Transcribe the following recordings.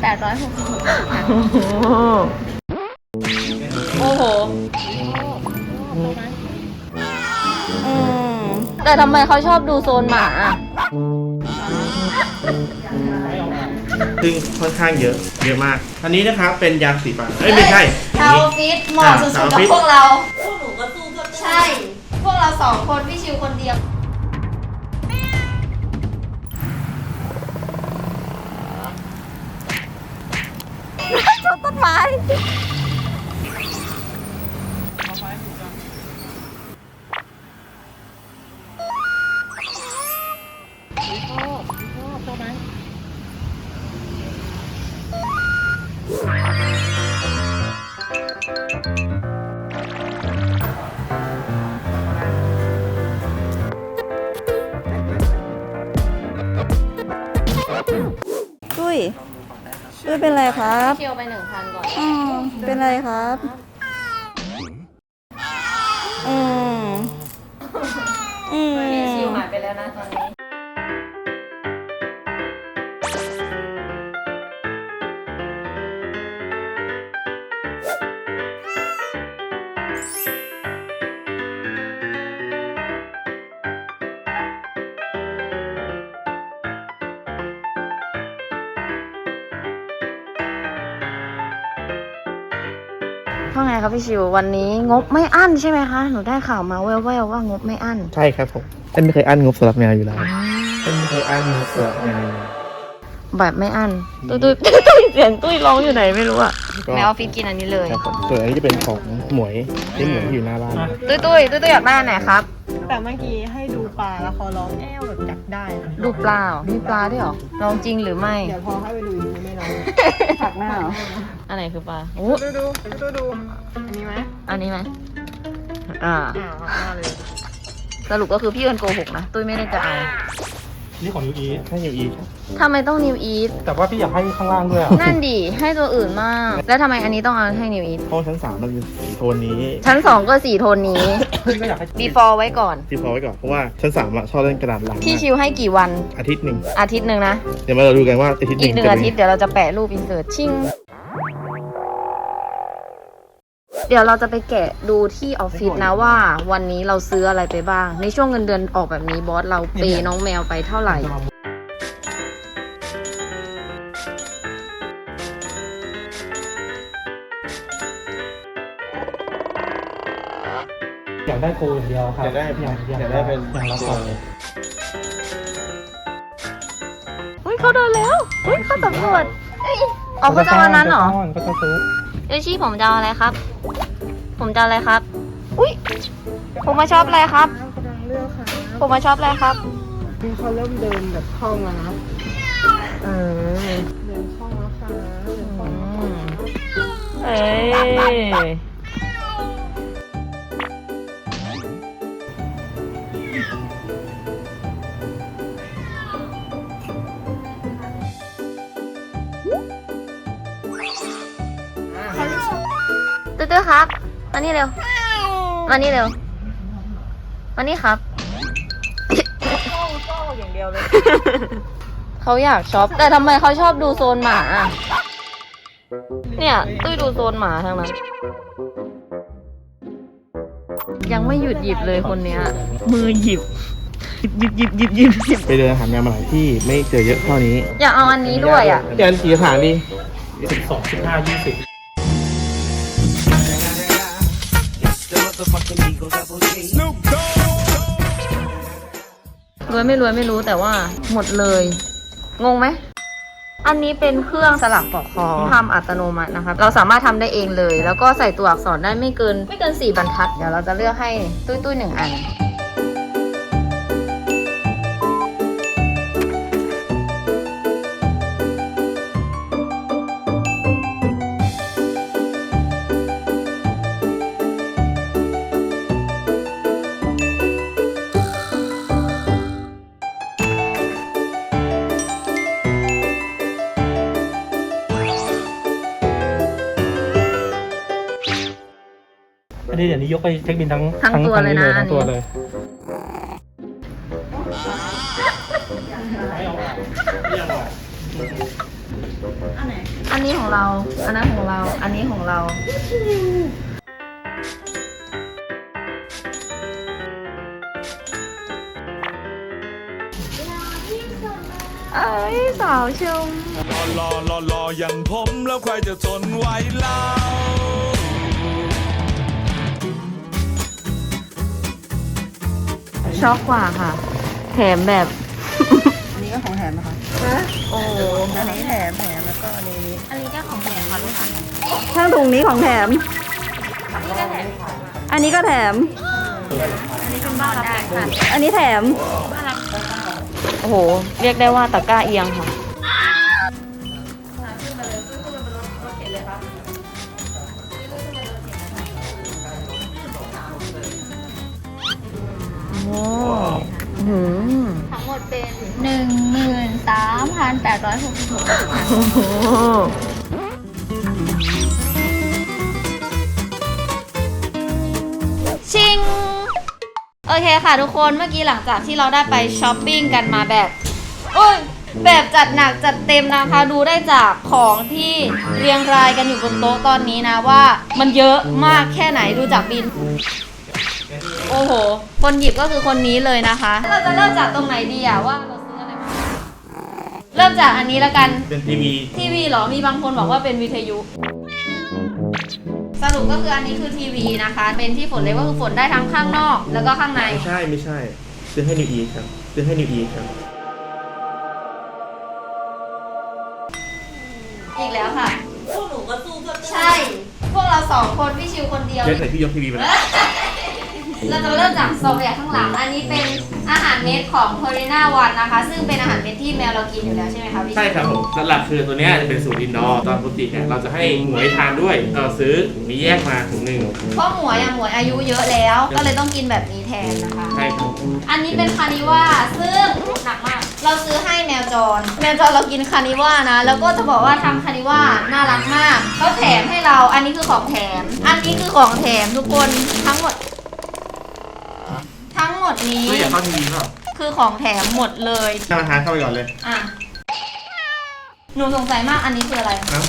866 บาทค่ะโอ้โหแต่ทำไมเขาชอบดูโซนหมาซึ่งค่อนข้างเยอะมากอันนี้นะครับเป็นยาสีฟันไม่ใช่ชาวฟิตเหมาะสุดๆกับพวกเราพวกหนูก็สู้ใช่พวกเรา2 คนพี่ชิวคนเดียวชนต้นไม้ตุ้ยเป็นไรครับเชียวไป 1,000 ก่อนเป็นไรครับพี่ชิวหายไปแล้วนะตอนนี้ว่าไงครับพี่ชิววันนี้งบไม่อั้นใช่ไหมคะหนูได้ข่าวมาแว่วๆว่างบไม่อั้นใช่ครับผมฉันไม่เคยอั้นงบสำหรับแมวอยู่แล้วฉันไม่เคยอั้นงบสำหรับแมวแบบไม่อั้นตุ้ยเสียงตุ้ยร้องอยู่ไหนไม่รู้อะแมวออฟฟิศกินอันนี้เลยครับผมส่วนอันนี้จะเป็นของหมวยที่หมวยอยู่หน้าบ้านตุ้ยอยากได้อันไหนครับแต่เมื่อกี้ให้ดูปลาแล้วเขาร้องแอ้วแบบจับได้นะดูปลามีปลาด้วยเหรอลองจริงหรือไม่เดี๋ยวพอให้ไปดูอีกทีไม่ร้องผักหน้าเหรออันไหนคือปลาดูอันนี้ไหมอันนี้ไหมผักหน้าเลยสรุปก็คือพี่เอิญโกหกนะตุ้ยไม่ได้จะเอานี่ของนิวอีทให้นิวอีททำไมต้องนิวอีทแต่ว่าพี่อยากให้ข้างล่างด้วยนั่นดิให้ตัวอื่นมากแล้วทำไมอันนี้ต้องเอาให้นิวอีทเพราะชั้น3มันเป็นสีโทนนี้ชั้น2ก็สีโทนนี้พี่ก็อยากให้ before ไว้ก่อนเพราะว่าชั้น3ชอบเล่นกระดาษลังพี่ชิวให้กี่วันอาทิตย์นึงนะเดี๋ยวมาเราดูกันว่าอาทิตย์นึงอีก1 อาทิตย์เดี๋ยวเราจะแปะรูปอินเสิร์ตชิ่งเดี๋ยวเราจะไปแกะดูที่ออฟฟิศนะว่าวันนี้เราซื้ออะไรไปบ้างในช่วงเงินเดือนออกแบบนี้บอสเราเปย์น้องแมวไปเท่าไหร่อยากได้โกอย่างเดียวครับอยากได้เป็นอย่างละกล่องเขาเดินแล้วเขาสำรวจเขาจะเอาอันนั้นเหรอก็จะซื้อเอชี่ผมจะเอาอะไรครับอุ้ยผมมาชอบอะไรครับผมมาชอบอะไรครับนี่เขาเริ่มเดินแบบคล่องแล้วนะเดินคล่องแล้วค่ะตื้อครับมานี่เร็วมานี่ครับอย่างเดียวเลยเขาอยากช็อปแต่ทำไมเขาชอบดูโซนหมาเนี่ยตุ้ยดูโซนหมาทั้งนั้นยังไม่หยุดหยิบเลยคนเนี้ยมือหยิบไปเดินหาแมวมาหลายที่ไม่เจอเยอะเท่านี้อยากเอาอันนี้ด้วยอ่ะเดือนกี่ฐานดี12 15 20 รวยไม่รู้แต่ว่าหมดเลยงงไหมอันนี้เป็นเครื่องสลักปลอกคอทำอัตโนมัตินะครับเราสามารถทำได้เองเลยแล้วก็ใส่ตัวอักษรได้ไม่เกิน4 บรรทัดเดี๋ยวเราจะเลือกให้ตุ้ย1 อันเดี๋ยวนี้ยกไปเช็คบินทั้งตัวเลยนะทั้งตัวเลยอันไหนอันนี้ของเรา อันนั้นของเรา อันนี้ของเรา เอ้ยสาวชมรออย่างผมแล้วใครจะทนไหวเล่าช็อกกว่าค่ะ แถมแบบอันนี้ก็ของแถมนะคะโอ้โหอันนี้แถมแล้วก็อันนี้อันนี้ก็ของแถมค่ะลูกค้าข้างถุงนี้ของแถมนี่ก็แถมอันนี้ก็แถมอันนี้เป็นบ้านได้ค่ะอันนี้แถมโอ้โห เรียกได้ว่าตะกร้าเอียงค่ะ โอ้โหทั้งหมดเป็น 13,866 โอ้โหชิง โอเคค่ะทุกคนเมื่อกี้หลังจากที่เราได้ไปช้อปปิ้งกันมาแบบโอ้ยแบบจัดหนักจัดเต็มนะคะดูได้จากของที่เรียงรายกันอยู่บนโต๊ะตอนนี้นะว่ามันเยอะมากแค่ไหนดูจากบิน โอ้โห คนหยิบก็คือคนนี้เลยนะคะ เราจะเริ่มจากตรงไหนดีอะว่าเราซื้ออะไรมาเริ่มจากอันนี้แล้วกันเป็นทีวีทีวีเหรอ มีบางคนบอกว่าเป็นวิทยุ สรุปก็คืออันนี้คือทีวีนะคะ เป็นที่ฝนเลยก็คือฝนได้ทั้งข้างนอก แล้วก็ข้างในไม่ใช่ ซื้อให้นิวอีครับ ซื้อให้นิวอีครับอีกแล้วค่ะ พวกหนูก็สู้ก็ใช่ พวกเราสองคนพี่ชิวคนเดียวเจ๊ไหนพี่ยกทีวีมาแล้วเราจะเริ่มจากโซนแบบข้างหลัง อันนี้เป็นอาหารเม็ดของ Purina One นะคะ ซึ่งเป็นอาหารเม็ดที่แมวเรากินอยู่แล้วใช่ไหมคะพี่ชิวใช่ครับผมหลักๆคือตัวเนี้ยจะเป็นสูตรอินดอร์ตอนปกติเนี่ยเราจะให้หมวยทานด้วยเราซื้อมีแยกมาถุงหนึ่งเพราะหมวยอายุเยอะแล้ว ก็เลยต้องกินแบบนี้แทนนะคะใช่ครับอันนี้เป็นคานิว่าซึ่งหนักมาก เราซื้อให้แมวจรเรากินคานิว่านะ แล้วก็จะบอกว่าทางคานิว่าน่ารักมากเขาแถมให้เรา อันนี้คือของแถม อันนี้คือของแถมทุกคนทั้งหมดนี้ไม่อยากเข้าทีวีเปล่าคือของแถมหมดเลยท่านประธานเข้าไปก่อนเลยอ่ะหนูสงสัยมากอันนี้คืออะไรครับ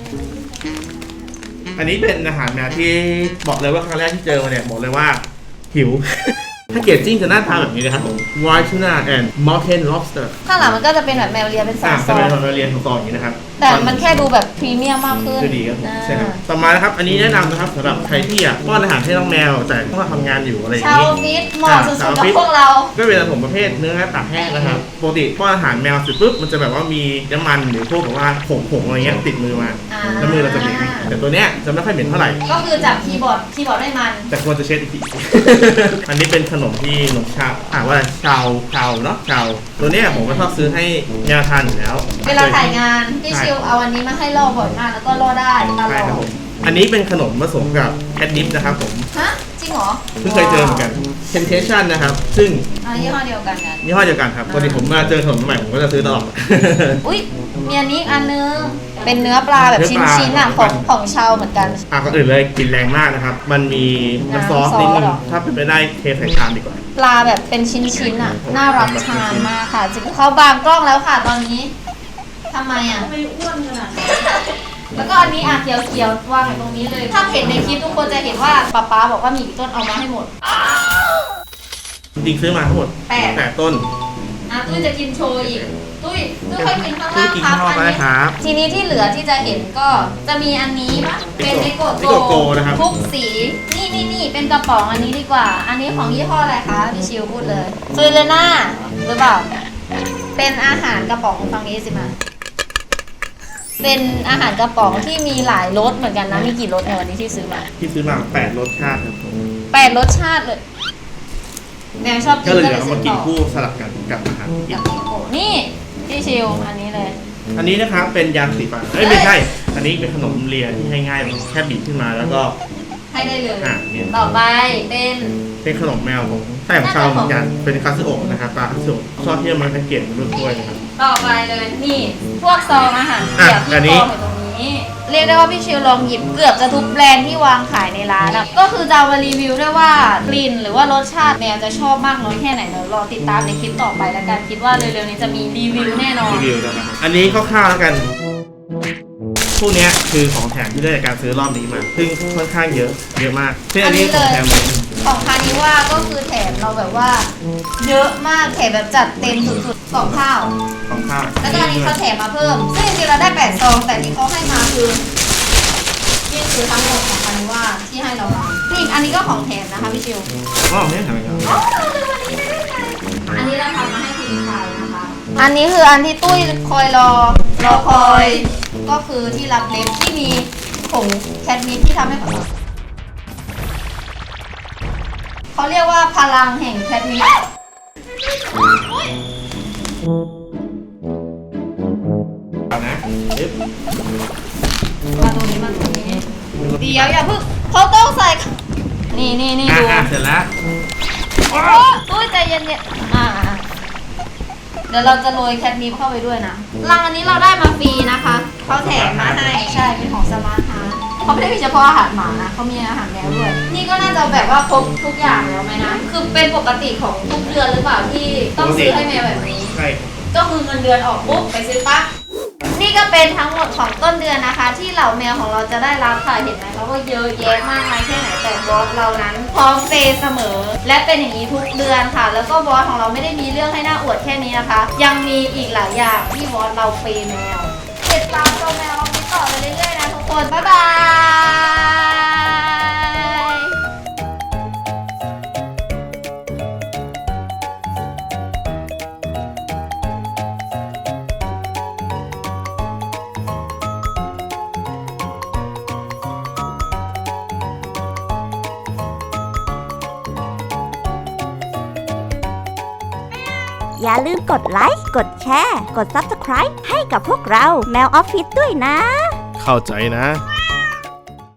อันนี้เป็นอาหารแมวที่บอกเลยว่าครั้งแรกที่เจอมาเนี่ยบอกเลยว่าหิว ถ้าเกจจิ้งจะหน้าตาแบบนี้นะครับผม White Tuna and Mountain Lobster ข้างหลังมันก็จะเป็นแบบแมวเลียเป็นซจะอเป็นงเราเรียนของซองอย่างนี้นะครับๆแต่มันแค่ดูแบบพรีเมียมมากขึ้นคือดีครับผมอ่าใช่ครับต่อมานะครับ อันนี้แนะนำนะครับสำหรับใครที่อยากป้อนอาหารให้น้องแมวแต่ต้องมาทำงานอยู่อะไรอย่างชาวนี้ฟิตเหมาะสุดๆกับพวกเราก็เป็นผมประเภทเนื้อตากแห้งนะครับปกติป้อนอาหารแมวเสร็จปุ๊บมันจะแบบว่ามีน้ำมันหรือพวกแบบว่าผงอะไรเงี้ยติดมือมาอ่าแล้วมือเราจะเหม็นแต่ตัวเนี้ยจะไม่ค่อยเหม็นเท่าไหร่ก็คือจับคีย์บอร์ดไม่มันแต่ควรจะเช็ดอีกที อันนี้เป็นขนมที่ขนมชาว่าชาวเนาะชาวตัวเนี้ยผมก็ชอบซื้อให้แมวทานอยู่แล้วเวลาถ่ายงานพี่ชิวเอาอันนี้มาให้ล่อบ่อยมากแล้วก็ล่อได้ตลใช่อครับดผมอันนี้เป็นขนมผสมกับแคทนิปนะครับผมฮะจริงเหรอเพิ่งเคยเจอเหมือนกัน Temptation นะครับ ซึ่งอันนี้ยี่ห้อเดียวกันกันยี่ห้อเดียวกันครับปกติผมมาเจอขนมใหม่ผมก็จะซื้อตลอดอุ้ยมีอันนี้อีกอันนึงเป็นเนื้อปลาแบบเนื้อปลาชิ้นๆอ่ะของชาวเหมือนกันก่อนอื่นเลยกลินแรงมากนะครับ มันมีน้ำซอสนิดนึงน้ำซอสเหรอถ้าเป็นไปได้เทใส่ชามดีกว่าปลาแบบเป็นชิ้นๆอ่ะน่ารับทานมากค่ะจริงเขาบางกล้องแล้วค่ะตอนนี้ทำไมอ่ะไม่อ้วนขนาดแล้วก็อันนี้อ่ะเขียวๆวางอยู่ตรงนี้เลย ถ้าเห็นในคลิปทุกคนจะเห็นว่าป๊าบอกว่ามีกี่ต้นเอามาให้หมดจริงๆซื้อมาทั้งหมดแปดต้นตุ้ยจะกินโชว์อีกตุ้ยค่อยกินข้างล่างกินครัข้าบงนอกอันได้นี้ครับทีนี้ที่เหลือที่จะเห็นก็จะมีอันนี้ปะเป็นนิโกนิโกโกนะครับทุกสีนี่เป็นกระป๋องอันนี้ดีกว่า อันนี้ของยี่ห้ออะไรคะพี่ชิวพูดเลยซูเรน่าหรือเปล่าเป็นอาหารกระป๋องฟังนี้สิมาเป็นอาหารกระป๋องที่มีหลายรสเหมือนกันนะมีกี่รสในวันนี้ที่ซื้อมาที่ซื้อมา8รสชาติครับผม 8 รสชาติเลยแมวชอบกิก็นเลยก็เดี๋เลยวย เอาซื้มาอกินต่อคู่สลับกันกับอาหารกิกัน บนิโกนี่พี่ชิวอันนี้เลยอันนี้นะครับเป็นยาสีฟันไม่ใช่ อันนี้เป็นขนมเลียที่ง่ายๆแค่บีบขึ้นมาแล้วก็ให้ได้เลยเนี่ยต่อไปเป็นเป็นขนมแมวของใต้ของชาวเหมือนกันเป็นคาสึโอะนะครับปลาคาสึโอะชอบที่มันแพ็กเกจเป็นรูปถ้วยนะครับต่อไปเลยนี่พวกซองอาหารเปียกอันที่นี้กองอยู่ตรงนี้ เรียกได้ว่าพี่ชิวลองหยิบเกือบจะทุกแบรนด์ที่วางขายในร้านอะก็คือจะเอามารีวิวด้วยว่ากลิ่นหรือว่ารสชาติแมวจะชอบมากน้อยแค่ไหนเดี๋ยวรอติดตามในคลิปต่อไปแล้วกันคิดว่าเร็วๆนี้จะมีรีวิวแน่นอนรีวิวนะครับอันนี้คร่าวๆแล้วกันพวกเนี้ยคือของแถมที่ได้จากการซื้อรอบนี้มา ซึ่งค่อนข้างเยอะมากเช่นอันนี้ของแถมเลยของคานิว่าก็คือแถมเราแบบว่า เยอะมากแถมแบบจัดเต็มสุดๆกล่องข้าวของข้าวแล้วก็อันนี้เขาแถมมาเพิ่ม ซึ่งจริงๆเราได้8ซองแต่ที่เขาให้มาคือนี่คือทั้งหมดของคานิว่าที่ให้เรามานี่อันนี้ก็ของแถมนะคะพี่ชิวอ๋อไม่ได้ทำอะไรกันอันนี้เราทำมาให้คุณชายนะคะ อันนี้คืออันที่ตุ้ยคอยรอคอย ก็คือที่รับเล็บที่มีผงแคทมิทที่ทำให้ผมเขาเรียกว่าพลังแห่งแคทมิทเอานะปึ๊บมาตรงนี้เดี๋ยวอย่าเพิ่งเขาต้องใส่ นี่ดูเสร็จแล้วโอ้ตุ้ยใจเย็นๆเดี๋ยวเราจะโรยแคทมิทเข้าไปด้วยนะรังอันนี้เราได้มาฟรีนะคะเขาแถมมาให้ใช่เป็นของสมาร์ทฮาร์ทเขาไม่ได้มีเฉพาะอาหารหมานะเขามีอาหารแมวด้วย นี่ก็น่าจะแบบว่าครบทุกอย่างแล้วไหมนะคือเป็นปกติของทุกเดือนหรือเปล่าที่ต้องซื้อให้แมวแบบนี้ใช่ก็คือเงินเดือนออกปุ๊บไปซื้อปั๊บนี่ก็เป็นทั้งหมดของต้นเดือนนะคะ ที่เหล่าแมวของเราจะได้รับค่ะเห็นไหมเขาก็เยอะแยะมากมายแค่ไหนแต่บอสเรานั้นพร้อมเปย์เสมอ และเป็นอย่างนี้ทุกเดือนค่ะ แล้วก็บอสของเราไม่ได้มีเรื่องให้น่าอวดแค่นี้นะคะ ยังมีอีกหลายอย่างที่บอสเราเปย์แมวติดตามตัวแมวเราต่อไปเรื่อยๆนะทุกคนบ๊ายบายอย่าลืมกดไลค์ กดแชร์ กด Subscribe ให้กับพวกเราแมวออฟฟิศด้วยนะเข้าใจนะไม่